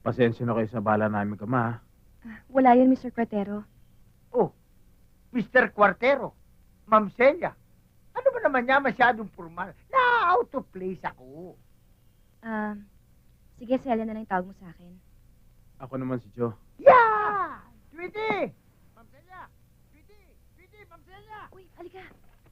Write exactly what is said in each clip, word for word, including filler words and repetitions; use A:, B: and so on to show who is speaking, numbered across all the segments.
A: Pasensya na kayo sa bala namin kama, ha?
B: Ah, wala yun, mister Cuartero.
C: Oh, mister Cuartero, Ma'am Celia. Ano ba naman niya masyadong formal? Na-out of place ako.
B: Ah, sige, Celia na lang yung tawag mo sa akin.
A: Ako naman si Joe.
C: Yeah! Tweety! Ma'am Celia! Tweety! Tweety! Ma'am Celia!
B: Uy, halika.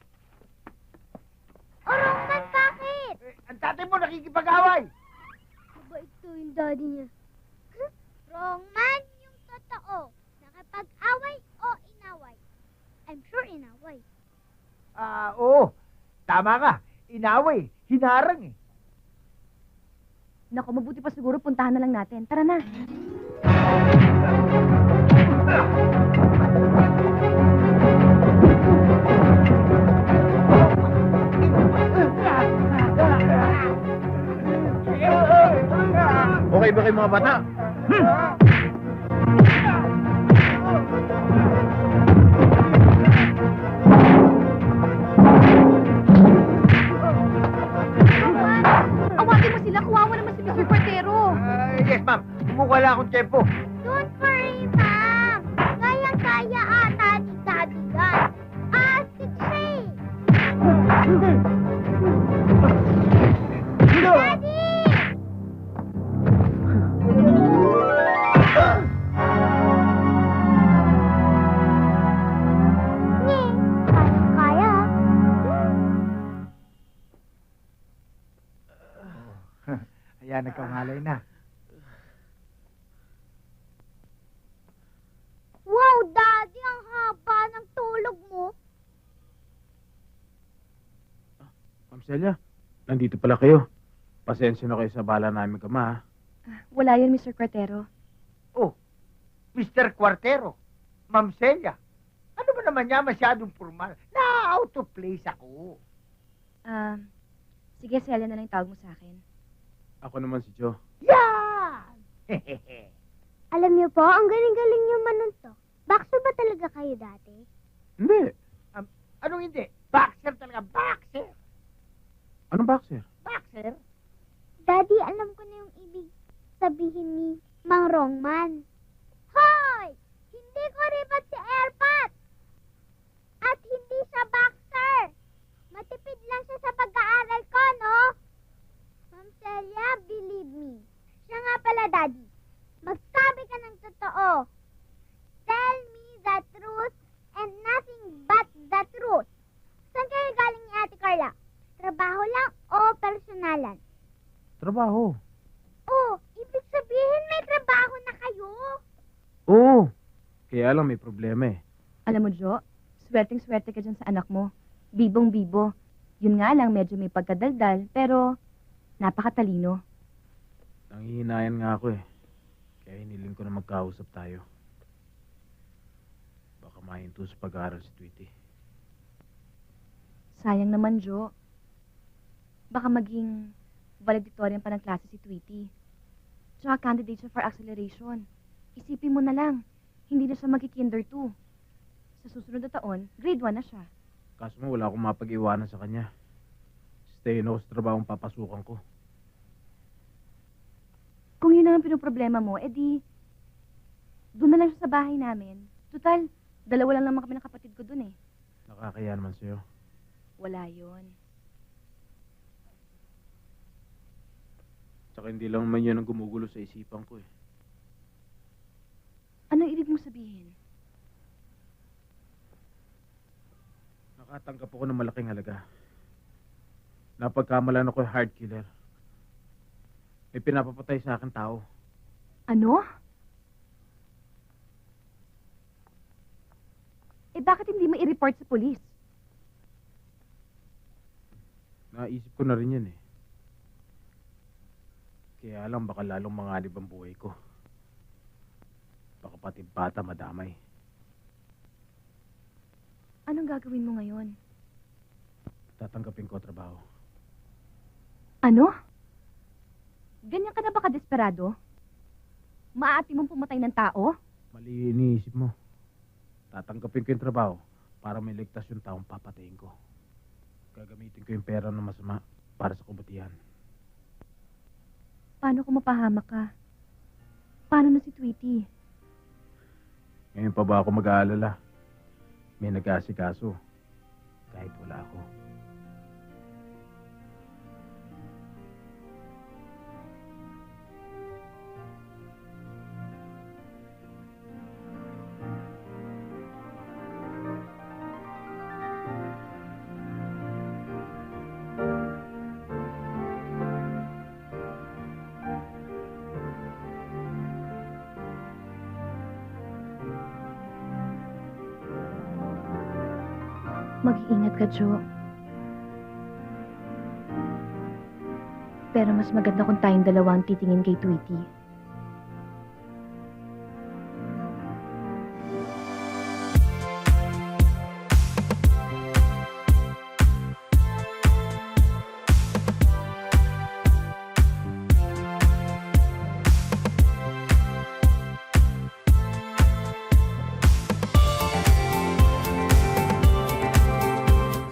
D: Orongman, bakit?
C: Eh, ang tatay mo nakikipag-away.
D: Mabait to yung daddy niya. Wrongman yung totoo. Nakapag-away o inaway? I'm sure inaway.
C: Ah, oo. Tama ka. Inaway. Hinarang eh.
B: Naku, mabuti pa siguro puntahan na lang natin. Tara na.
A: Okay ba kayo mga bata?
B: Awagin mo sila. Kuwawa naman si mister Cuartero.
C: Ah, yes, ma'am. Bumukala akong tempo.
D: Don't worry, ma'am. Kayang-kaya ata ni daddy yan. Ah, si Trey. Daddy! Nye, kayang-kaya.
C: Ayan, nagkamalay na.
D: Wow, daddy, ang haba ng tulog mo.
A: Ma'am Celia, nandito pala kayo. Pasensya na kayo sa bala namin kama, ha?
B: Ah, wala yun, mister Cuartero.
C: Oh, mister Cuartero, Ma'am Celia. Ano ba naman niya masyadong formal? Na-out of place ako.
B: Ah, sige, Celia na lang yung tawag mo sa akin.
A: Ako naman si Joe.
C: Yan!
D: Alam niyo po, ang galing-galing niyo manuntok. Bakso ba talaga kayo dati?
A: Hindi.
C: um, anong hindi? Boxer talaga, boxer!
A: Anong boxer?
C: Boxer?
D: Daddy, alam ko na yung ibig sabihin ni Mang Rongman. Hoy! Hindi ko ribat si Airpat! At hindi siya boxer! Matipid lang siya sa pag-aaral ko, no? Ma'am Celia, believe me. Siya nga pala, Daddy. Magsabi ka ng totoo. Tell me the truth and nothing but the truth. Saan kayo galing ni Ate Carla? Trabaho lang o personalan?
A: Trabaho.
D: Oh, ibig sabihin may trabaho na kayo.
A: Oo. Kaya lang may problema, eh.
B: Alam mo, Jo, swerteng-swerte ka dyan sa anak mo. Bibong-bibo. Yun nga lang, medyo may pagkadaldal, pero napakatalino.
A: Nanghihinayan nga ako, eh. Kaya hiniling ko na magkausap tayo. Baka mahinto sa pag-aaral si Tweety.
B: Sayang naman, Jo. Baka maging valedictorian pa ng klase si Tweety. Tsaka candidate siya for acceleration. Isipin mo na lang, hindi na siya magki-kinder two. Sa susunod na taon, grade one na siya.
A: Kaso mo, wala akong mapag-iwanan sa kanya. Stay ako sa trabahong papasukan ko.
B: Kung yun ang pinoproblema mo, edi, doon na lang siya sa bahay namin. Total, dalawa lang naman kami ng kapatid ko doon eh.
A: Nakakaya naman sa'yo.
B: Wala yun.
A: Tsaka hindi lang naman yun ang gumugulo sa isipan ko, eh.
B: Ano ibig mong sabihin?
A: Nakatanggap ako ng malaking halaga. Napagkamalan ako yung hard killer. May pinapapatay sa akin tao.
B: Ano? Eh bakit hindi mo i-report sa polis?
A: Naisip ko na rin yun, eh. Kaya lang baka lalong manganib ang buhay ko. Baka pati bata madamay.
B: Anong gagawin mo ngayon?
A: Tatanggapin ko ang trabaho.
B: Ano? Ganyan ka na ba kadesperado? Maaati mong pumatay ng tao?
A: Mali iniisip mo. Tatanggapin ko yung trabaho para may ligtas yung taong papatayin ko. Gagamitin ko yung pera ng masama para sa kabutihan.
B: Paano kung mapahamak ka? paano na si Tweety?
A: Ngayon pa ba ako mag-aalala? May nag-aasikaso. Kahit wala ako.
B: Mag-iingat ka, Jo. Pero mas maganda kung tayong dalawa ang titingin kay Tweety.